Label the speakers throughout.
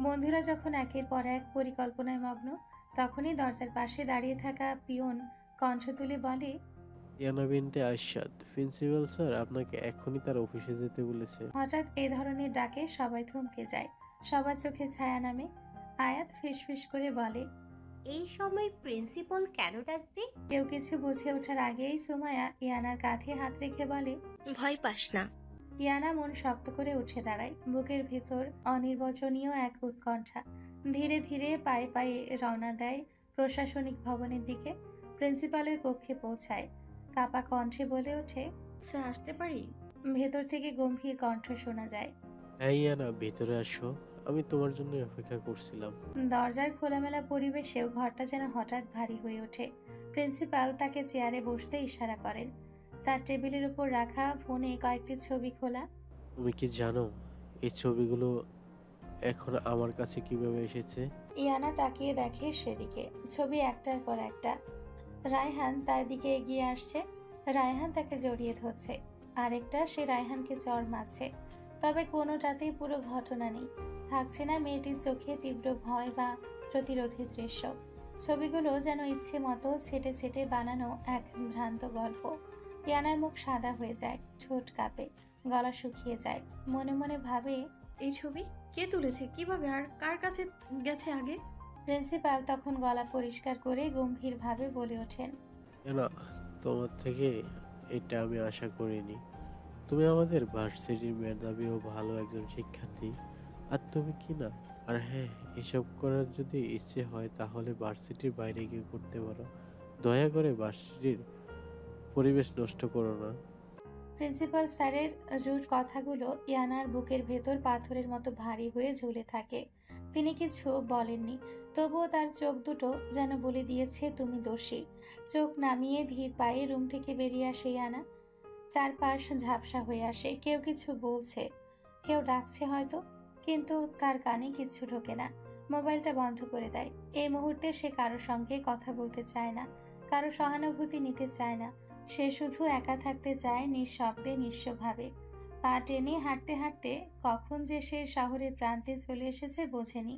Speaker 1: বন্ধুরা যখন একের পর এক পরিকল্পনায় মগ্ন, তখনই দরজার পাশে দাঁড়িয়ে থাকা পিয়ন কণ্ঠ তুলে বলে,
Speaker 2: ইয়ানা বিনতে আরশাদ, প্রিন্সিপাল স্যার আপনাকে এখনই তার অফিসে যেতে বলেছে।
Speaker 1: হঠাৎ এ ধরনের ডাকে সবাই থমকে যায়। সবার চোখে ছায়া নামে। আয়াত ফিসফিস করে বলে,
Speaker 3: এই সময় প্রিন্সিপাল কেন ডাকবে?
Speaker 1: কেউ কিছু বুঝে ওঠার আগেই সুমায়া ইয়ানার কাঁধে হাত রেখে বলে,
Speaker 4: ভয় পাস না।
Speaker 1: ইয়ানা মন শক্ত করে উঠে দাঁড়ায়। বুকের ভিতর অনির্বচনীয় এক উৎকণ্ঠা। ধীরে ধীরে পায়ে পায়ে রওনা দেয় প্রশাসনিক ভবনের দিকে। প্রিন্সিপালের কক্ষে পৌঁছায়। কাপা কণ্ঠে বলে ওঠে,
Speaker 4: স্যার আসতে পারি?
Speaker 1: ভেতর থেকে গম্ভীর কণ্ঠ শোনা যায়,
Speaker 2: হ্যাঁ ইয়ানা, ভেতরে আসো, আমি তোমার জন্য অপেক্ষা করছিলাম।
Speaker 1: দরজার খোলামেলা পরিবেশেও ঘরটা যেন হঠাৎ ভারী হয়ে ওঠে। প্রিন্সিপাল তাকে চেয়ারে বসতে ইশারা করেন। তার টেবিলের উপর রাখা ফোনে কয়েকটি ছবি খোলা।
Speaker 2: তুমি কি জানো এই ছবিগুলো এখন আমার কাছে কিভাবে এসেছে?
Speaker 1: ইয়ানা তাকিয়ে দেখে সেদিকে। ছবি একটার পর একটা। রায়হান তার দিকে এগিয়ে আসছে। রায়হান তাকে জড়িয়ে ধরছে। আরেকটা সে রায়হানকে চড় মারছে। তবে কোনোটাতেই পুরো ঘটনা নেই। থাকছে না মেয়েটির চোখে তীব্র ভয় বা প্রতিরোধী দৃশ্য। ছবিগুলো যেন ইচ্ছে মতো ছেটে ছেটে বানানো এক ভ্রান্ত গল্প। ইয়ানার মুখ সাদা হয়ে যায়, ঠোঁট কাঁপে, গলা শুকিয়ে যায়। মনে মনে ভাবে,
Speaker 4: এই ছবি কে তুলেছে, কিভাবে, আর কার কাছে গেছে আগে?
Speaker 1: প্রিন্সিপাল তখন গলা পরিষ্কার করে গম্ভীরভাবে বলে ওঠেন,
Speaker 2: ইয়ানা, তোমার থেকে এটা আমি আশা করিনি। তুমি আমাদের ভার্সিটির মেধাবী ও ভালো একজন শিক্ষার্থী, আর তুমি কি না। আর হ্যাঁ, এসব করার যদি ইচ্ছে হয় তাহলে ভার্সিটির বাইরে গিয়ে করতে পারো। দয়া করে ভার্সিটির পরিবেশ নষ্ট করো না।
Speaker 1: প্রিন্সিপাল স্যারের রুট কথাগুলো ইয়ানার বুকের ভেতর পাথরের মতো ভারী হয়ে ঝুলে থাকে। তিনি কিছু বলেননি, তবুও তার চোখ দুটো যেন বলে দিয়েছে তুমি দোষী। চোখ নামিয়ে ধীর পায়ে রুম থেকে বেরিয়ে আসে ইয়ানা। চারপাশ ঝাপসা হয়ে আসে। কেউ কিছু বলছে, কেউ ডাকছে হয়তো, কিন্তু তার কানে কিছু ঢোকে না। মোবাইলটা বন্ধ করে দেয়। এই মুহূর্তে সে কারো সঙ্গে কথা বলতে চায় না, কারো সহানুভূতি নিতে চায় না। সে শুধু একা থাকতে চায়, নিঃশব্দে নিঃস্বভাবে। পা টেনে হাঁটতে হাঁটতে কখন যে সে শহরের প্রান্তে চলে এসেছে বোঝেনি।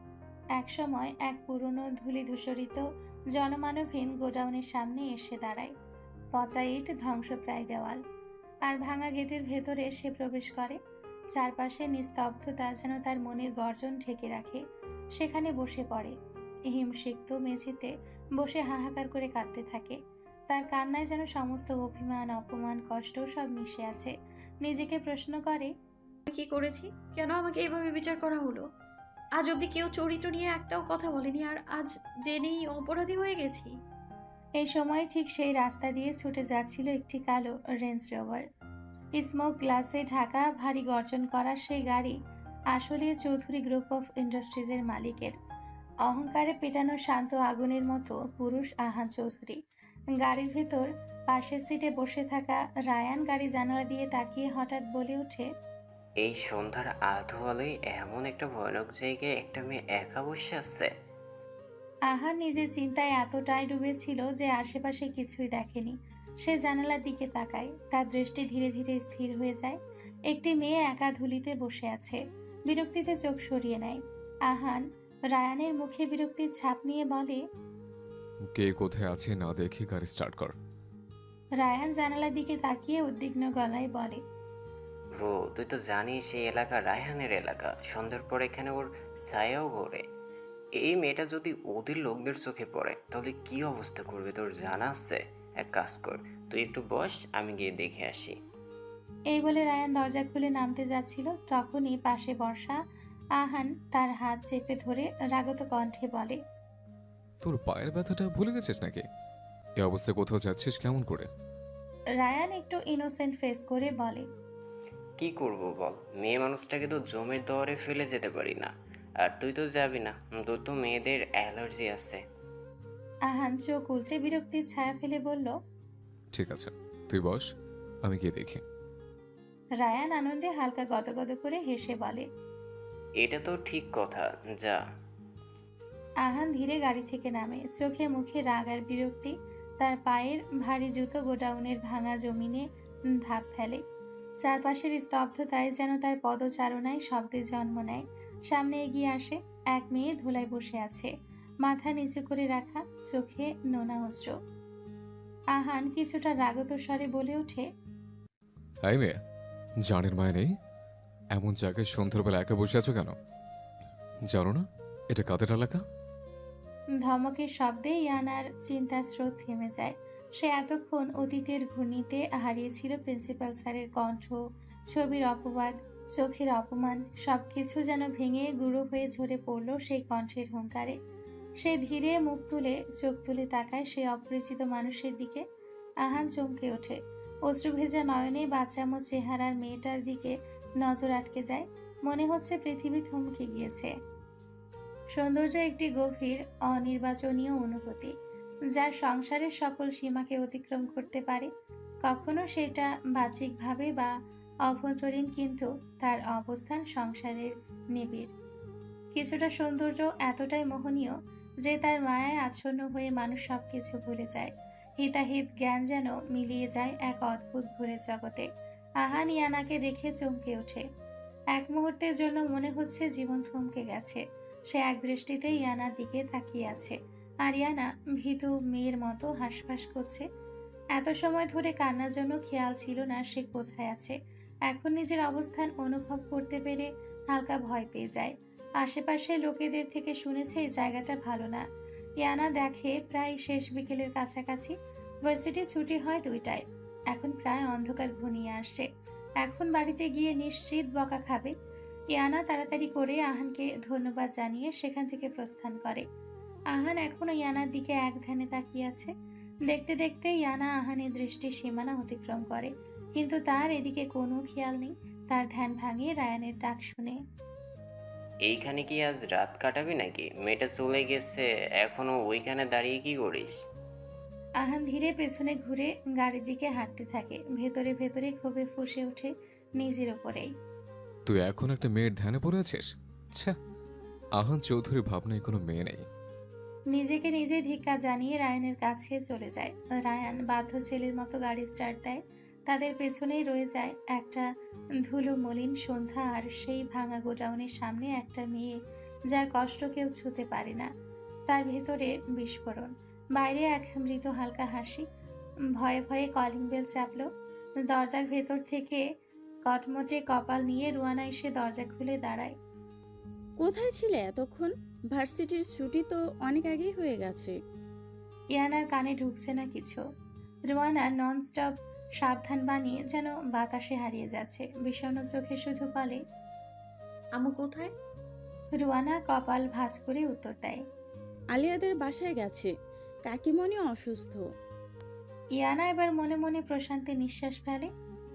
Speaker 1: একসময় এক পুরনো ধূলিধূসরিত জনমানবহীন গোডাউনের সামনে এসে দাঁড়ায়। পচা ইট, ধ্বংসপ্রায় দেওয়াল আর ভাঙা গেটের ভেতরে সে প্রবেশ করে। চারপাশে নিস্তব্ধতা যেন তার মনের গর্জন ঢেকে রাখে। সেখানে বসে পড়ে। হিমসিক্ত মেঝেতে বসে হাহাকার করে কাঁদতে থাকে। তার কান্নায় যেন সমস্ত অভিমান, অপমান, কষ্ট সব মিশে আছে। নিজেকে প্রশ্ন করে,
Speaker 4: আমি কি করেছি? কেন আমাকে এভাবে বিচার করা হলো? আজ অব্দি কেউ চরিত্র নিয়ে একটাও কথা বলেনি, আর আজ জেনেই অপরাধী হয়ে গেছি।
Speaker 1: এই সময় ঠিক সেই রাস্তা দিয়ে ছুটে যাচ্ছিল একটি কালো রেঞ্জ রোভার। স্মোক গ্লাসে ঢাকা, ভারী গর্জন করা সেই গাড়ি আসলে চৌধুরী গ্রুপ অফ ইন্ডাস্ট্রিজের মালিকের। অহংকারে পেটানো শান্ত আগুনের মতো পুরুষ আহান চৌধুরী। গাড়ির ভেতর পাশের সিটে বসে থাকা রায়ান গাড়ি জানালা দিয়ে তাকিয়ে হঠাৎ বলে ওঠে,
Speaker 5: এই সন্ধ্যার আধো আলোয় এমন একটা ভয়ানক জায়গায় একটা মেয়ে একা বসে আছে।
Speaker 1: আহান নিজের চিন্তায় এতটাই ডুবেছিল যে আশেপাশে কিছুই দেখেনি। সে জানালার দিকে তাকায়। তার দৃষ্টি ধীরে ধীরে স্থির হয়ে যায়। একটি মেয়ে একা ধুলিতে বসে আছে। বিরক্তিতে চোখ সরিয়ে নেয়। আহান রায়ানের মুখে বিরক্তির ছাপ নিয়ে বলে,
Speaker 6: কে কোথায় আছে না দেখে গাড়ি স্টার্ট কর।
Speaker 1: রায়ান জানালার দিকে তাকিয়ে উদ্বিগ্ন গলায় বলে,
Speaker 5: ব্রো, তুই তো জানিস এই এলাকা রায়হানের এলাকা। সন্ধ্যার পর এখানে ওর ছায়াও ঘোরে। এই মেয়েটা যদি ওদের লোকদের চোখে পড়ে তাহলে কি অবস্থা করবে তোর জানা আছে? এক কাজ কর, তুই একটু বস, আমি গিয়ে দেখে আসি।
Speaker 1: এই বলে রায়ান দরজা খুলে নামতে যাচ্ছিল। তখনই পাশে বসা আহান তার হাত চেপে ধরে রাগত কণ্ঠে বলে,
Speaker 6: তোর পায়ের ব্যথাটা ভুলে গেছিস নাকি? এ অবস্থায় কোথাও যাচ্ছিস কেমন করে?
Speaker 1: রায়ান একটু ইনোসেন্ট ফেস করে বলে,
Speaker 5: কি করব বল, মেয়ে মানুষটাকে তো জমের দরে ফেলে যেতে পারি না। আর তুই তো যাবি না, তোর তো মেয়েদের অ্যালার্জি আছে।
Speaker 1: আহান চোখ উল্টে বিরক্তির ছায়া ফেলে বলল,
Speaker 6: ঠিক আছে, তুই বস, আমি গিয়ে দেখি।
Speaker 1: রায়ান আনন্দে হালকা গদগদ করে হেসে বলে,
Speaker 5: এটা তো ঠিক কথা, যা।
Speaker 1: আহান ধীরে গাড়ি থেকে নামে। চোখে মুখে রাগ আর বিরক্তি। তার পায়ের ভারী জুতো গোডাউনের ভাঙা জমিনে ধাপ ফেলে। চারপাশের স্তব্ধতায় যেন তার পদচারণায় শব্দের জন্ম নেয়। সামনে এগিয়ে আসে এক মেয়ে ধুলায় বসে আছে, মাথা নিচু করে রাখা, চোখে নোনা অশ্র। আহান কিছুটা রাগত স্বরে বলে ওঠে,
Speaker 6: হাই মেয়ে, জানের মায় নেই, এমন জায়গায় সন্ধ্যাবেলা একা বসে আছো কেন? জানো না এটা কাদের এলাকা?
Speaker 1: ধমকের শব্দে ইয়ানার চিন্তার স্রোত থেমে যায়। সে এতক্ষণ অতীতের ঘূর্ণিতে হারিয়েছিল প্রিন্সিপাল স্যারের কণ্ঠ, ছবির অপবাদ, চোখের অপমান, সবকিছু যেন ভেঙে গুঁড়ো হয়ে ঝরে পড়ল সেই কণ্ঠের হুঙ্কারে। সে ধীরে মুখ তুলে চোখ তুলে তাকায় সেই অপরিচিত মানুষের দিকে। আহান চমকে ওঠে। অশ্রুভেজা নয়নে বাচ্চামো চেহারার মেয়েটার দিকে নজর আটকে যায়। মনে হচ্ছে পৃথিবী থমকে গিয়েছে। সৌন্দর্য একটি গভীর অনির্বাচনীয় অনুভূতি, যার সংসারের সকল সীমাকে অতিক্রম করতে পারে। কখনো সেটা বাহ্যিকভাবে বা অভ্যন্তরীণ, কিন্তু তার অবস্থান সংসারের নিবিড়। কিছুটা সৌন্দর্য এতটাই মোহনীয় যে তার মায়ায় আচ্ছন্ন হয়ে মানুষ সবকিছু ভুলে যায়। হিতাহিত জ্ঞান যেন মিলিয়ে যায় এক অদ্ভুত ভুলের জগতে। আহান ইয়ানাকে দেখে চমকে ওঠে। এক মুহূর্তের জন্য মনে হচ্ছে জীবন থমকে গেছে। সে এক দৃষ্টিতে ইয়ানার দিকে তাকিয়ে আছে, আর ইয়ানা ভীতু মেয়ের মতো হাঁসফাঁস করছে। এত সময় ধরে কান্নার জন্য খেয়াল ছিল না সে কোথায় আছে। এখন নিজের অবস্থান অনুভব করতে পেরে হালকা ভয় পেয়ে যায়। আশেপাশে লোকেদের থেকে শুনেছে এই জায়গাটা ভালো না। ইয়ানা দেখে প্রায় শেষ বিকেলের কাছাকাছি। ভার্সিটি ছুটি হয় 2টায়। এখন প্রায় অন্ধকার ঘনিয়ে আসছে। এখন বাড়িতে গিয়ে নিশ্চিত বকা খাবে। ইয়ানা তাড়াতাড়ি করে আহানকে ধন্যবাদ জানিয়ে সেখান থেকে প্রস্থান করে। আহান এখনো ইয়ানার দিকে এক ধ্যানে তাকিয়ে আছে। দেখতে দেখতে ইয়ানা আহানের দৃষ্টির সীমানা অতিক্রম করে, কিন্তু তার এদিকে কোনো খেয়াল নেই। তার ধ্যান ভাঙিয়ে রায়ানের ডাক শুনে।
Speaker 5: এইখানে কি আজ রাত কাটাবি নাকি? মেয়েটা চলে গেছে, এখনো ওইখানে দাঁড়িয়ে কি করিস?
Speaker 1: আহান ধীরে পেছনে ঘুরে গাড়ির দিকে হাঁটতে থাকে। ভেতরে ভেতরে ক্ষোভে ফুঁসে ওঠে নিজের ওপরেই।
Speaker 6: তুই এখন একটা মেয়ের ধ্যানে পড়ে আছিস? ছ্যা, আহান চৌধুরী ভাবনায় কোনো মেয়ে নেই।
Speaker 1: নিজেকে নিজে ধিক্কার জানিয়ে রায়ানের কাছে চলে যায়। রায়ান বাধ্য ছেলের মতো গাড়ি স্টার্ট দেয়। তাদের পেছনেই রয়ে যায় একটা ধুলো মলিন সন্ধ্যা, আর সেই ভাঙা গোডাউনের সামনে একটা মেয়ে যার কষ্ট কেউ ছুতে পারে না। তার ভেতরে বিস্ফোরণ, বাইরে এক মৃত হালকা হাসি। ভয়ে ভয়ে কলিং বেল চাপলো। দরজার ভেতর থেকে কটমটে কপাল নিয়ে রুয়ানা এসে দরজা খুলে দাঁড়ায়।
Speaker 7: কোথায় ছিলে এতক্ষণ? ভার্সিটির ছুটি তো অনেক আগেই হয়ে গেছে।
Speaker 1: ইয়ানার কানে ঢুকছে না কিছু। রুয়ানা নন স্টপ সাবধান বানিয়ে যেন বাতাসে হারিয়ে যাচ্ছে। বিষণ্ণ চোখে শুধু বলে,
Speaker 4: আমু কোথায়?
Speaker 1: রুয়ানা কপাল ভাঁজ করে উত্তর দেয়।
Speaker 7: আলিয়াদের বাসায় গেছে, কাকিমণি অসুস্থ।
Speaker 1: ইয়ানা এবার মনে মনে প্রশান্তি নিঃশ্বাস ফেলে।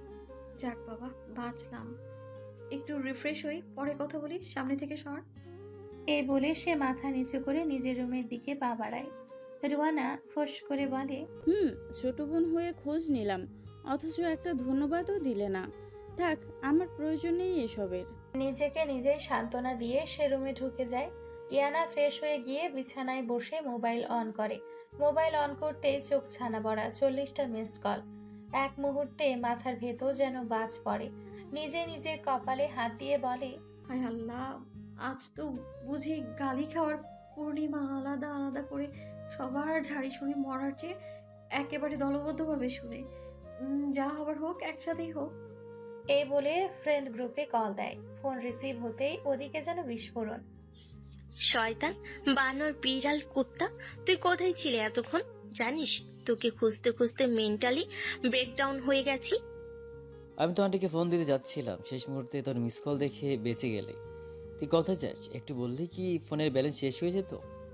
Speaker 4: যাক বাবা, বাঁচলাম। একটু রিফ্রেশ হই, পরে কথা বলি, সামনে থেকে সর।
Speaker 1: এই বলে সে মাথা নিচু করে নিজের রুমের দিকে পা বাড়ায়। রুয়ানা ফোঁস করে বলে,
Speaker 7: ছোট বোন হয়ে খোঁজ নিলাম, অথচ একটা ধন্যবাদও দিলে না। থাক, আমার প্রয়োজন নেই এসবের।
Speaker 1: নিজেকে নিজেই সান্ত্বনা দিয়ে সে রুমে ঢুকে যায়। ইয়ানা ফ্রেশ হয়ে গিয়ে বিছানায় বসে মোবাইল অন করে। মোবাইল অন করতেই চোখ ছানা বড়া, 40টা মিসড কল। এক মুহূর্তে মাথার ভেতর যেন বাজ পড়ে। নিজে নিজের কপালে হাত দিয়ে বলে,
Speaker 4: হায় আল্লাহ, আজ তো বুঝি গালি খাওয়ার পূর্ণিমা। আলাদা আলাদা করে সবার ঝাড়ি শুনে মরার চেয়ে একেবারে দলবদ্ধভাবে শুনে যা হবার হোক, একসাথেই হোক।
Speaker 1: এই বলে ফ্রেন্ড গ্রুপে কল দেয়। ফোন রিসিভ হতেই ওদিকে যেন বিস্ফোরণ।
Speaker 8: শয়তান, বানর, বিড়াল, কুত্তা, তুই কোথায় ছিলে এতক্ষণ? জানিস তোকে খুঁজতে খুঁজতে মেন্টালি ব্রেকডাউন হয়ে গেছি।
Speaker 9: আমি তো আন্টিকে ফোন দিতে যাচ্ছিলাম, শেষ মুহূর্তে তোর মিস কল দেখে বেঁচে গেলে। তুই কোথায় যাস একটু বললি কি ফোনের ব্যালেন্স শেষ হয়ে যেত?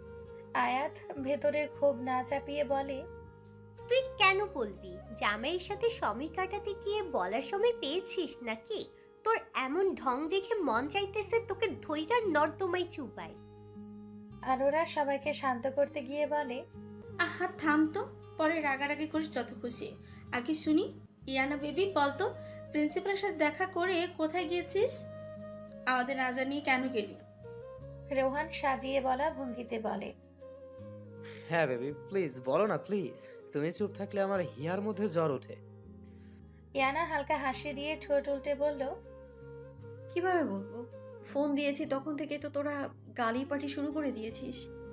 Speaker 1: আয়াত ভেতরের ক্ষোভ না চাপিয়ে বলে,
Speaker 3: তুই কেন বলবি? জামাইয়ের সাথে সময় কাটাতে গিয়ে বলার সময় পেয়েছিস নাকি? তোর এমন ঢং দেখে মন চাইতেছে তোকে ধৈর্যার নর্দমায় চুপায়।
Speaker 1: আর ওরা সবাইকে শান্ত করতে গিয়ে বলে,
Speaker 10: আহা থাম তো, পরে রাগারাগি করিস যত খুশি। আগে শুনি, ইয়ানা বেবি বলতো, প্রিন্সিপালের সাথে দেখা করে কোথায় গিয়েছিস? আমাদের না জানিয়ে কেন গেলি?
Speaker 1: রোহান সাজিয়ে বলা ভঙ্গিতে বলে,
Speaker 11: হ্যাঁ বেবি প্লিজ বলো না প্লিজ, তুমি চুপ থাকলে আমার হিয়ার মধ্যে জ্বর ওঠে।
Speaker 1: ইয়ানা হালকা হাসি দিয়ে ঠোঁট উল্টে বলল,
Speaker 4: কিভাবে বলবো? ফোন দিয়েছি তখন থেকে তো তোরা গালি পাটি শুরু করে দিয়েছিস।